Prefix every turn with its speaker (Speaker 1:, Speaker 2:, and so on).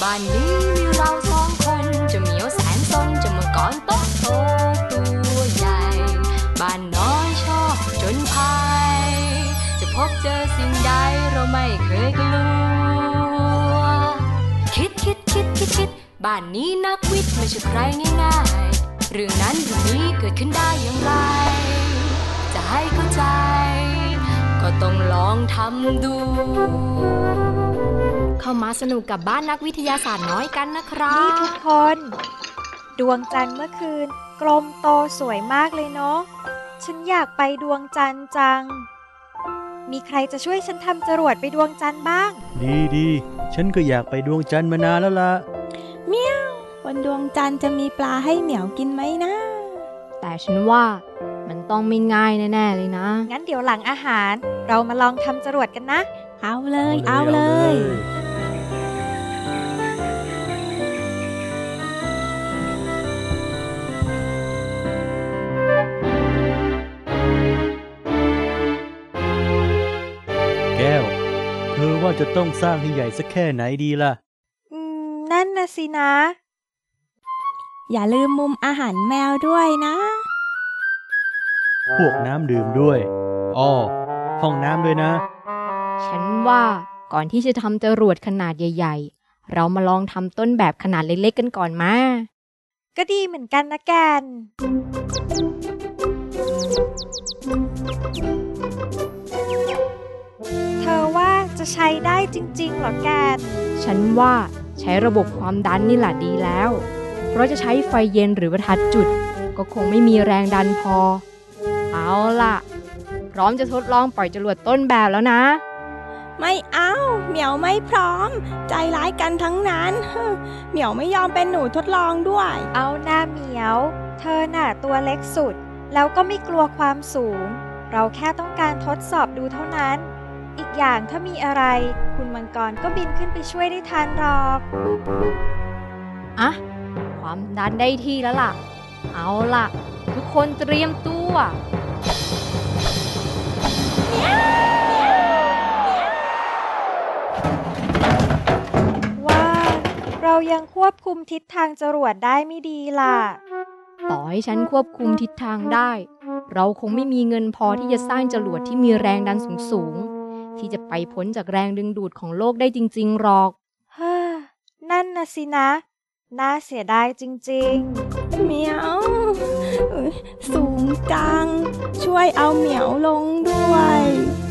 Speaker 1: บ้านนี้มีเราสองคนจะเหมียวแสนซนจะมังกรโตโตตัวใหญ่บ้านน้อยชอบจนภัยจะพบเจอสิ่งใดเราไม่เคยกลัวคิดบ้านนี้นักวิทย์ไม่ใช่ใครง่ายๆเรื่องนั้นเรื่องนี้เกิดขึ้นได้อย่างไรจะให้เข้าใจก็ต้องลองทำดูเข้ามาสนุกกับบ้านนักวิทยาศาสตร์น้อยกันนะครับ
Speaker 2: นี่ทุกคนดวงจันทร์เมื่อคืนกลมโตสวยมากเลยเนาะฉันอยากไปดวงจันทร์จังมีใครจะช่วยฉันทำจรวดไปดวงจันทร์บ้าง
Speaker 3: ดีฉันก็อยากไปดวงจันทร์มานานแล้วล่ะ
Speaker 4: เมียวบนดวงจันทร์จะมีปลาให้เหมียวกินไหมนะ
Speaker 1: แต่ฉันว่ามันต้องไม่ง่ายแน่ๆเลยนะ
Speaker 2: งั้นเดี๋ยวหลังอาหารเรามาลองทำจรวดกันนะ
Speaker 4: เอาเลย
Speaker 3: แก้วเธอว่าจะต้องสร้างให้ใหญ่สักแค่ไหนดีล่ะ
Speaker 2: นั่นน่ะสินะ
Speaker 4: อย่าลืมมุมอาหารแมวด้วยนะ
Speaker 3: พวกน้ำดื่มด้วยห้องน้ำด้วยนะ
Speaker 1: ฉันว่าก่อนที่จะทำจรวดขนาดใหญ่ๆเรามาลองทำต้นแบบขนาดเล็กๆกันก่อนมา
Speaker 2: ก็ดีเหมือนกันนะแกนเธอว่าจะใช้ได้จริงๆเหรอแกน
Speaker 1: ฉันว่าใช้ระบบความดันนี่แหละดีแล้วเพราะจะใช้ไฟเย็นหรือประทัดจุดก็คงไม่มีแรงดันพอเอาล่ะพร้อมจะทดลองปล่อยจรวดต้นแบบแล้วนะ
Speaker 4: ไม่เอาเหมียวไม่พร้อมใจร้ายกันทั้งนั้นเหมียวไม่ยอมเป็นหนูทดลองด้วย
Speaker 2: เอาหน้าเหมียวเธอน่ะตัวเล็กสุดแล้วก็ไม่กลัวความสูงเราแค่ต้องการทดสอบดูเท่านั้นอีกอย่างถ้ามีอะไรคุณมังกรก็บินขึ้นไปช่วยได้ทันหรอก
Speaker 1: อะความดันได้ที่แล้วล่ะเอาล่ะทุกคนเตรียมตัว
Speaker 2: ว่าเรายังควบคุมทิศทางจรวดได้ไม่ดีล่ะ
Speaker 1: ต่อให้ฉันควบคุมทิศทางได้เราคงไม่มีเงินพอที่จะสร้างจรวดที่มีแรงดันสูงที่จะไปพ้นจากแรงดึงดูดของโลกได้จริงๆหรอก
Speaker 2: นั่นน่ะสินะน่าเสียดายจริง
Speaker 4: ๆเหมียวสูงจังช่วยเอาเหมียวลงด้วย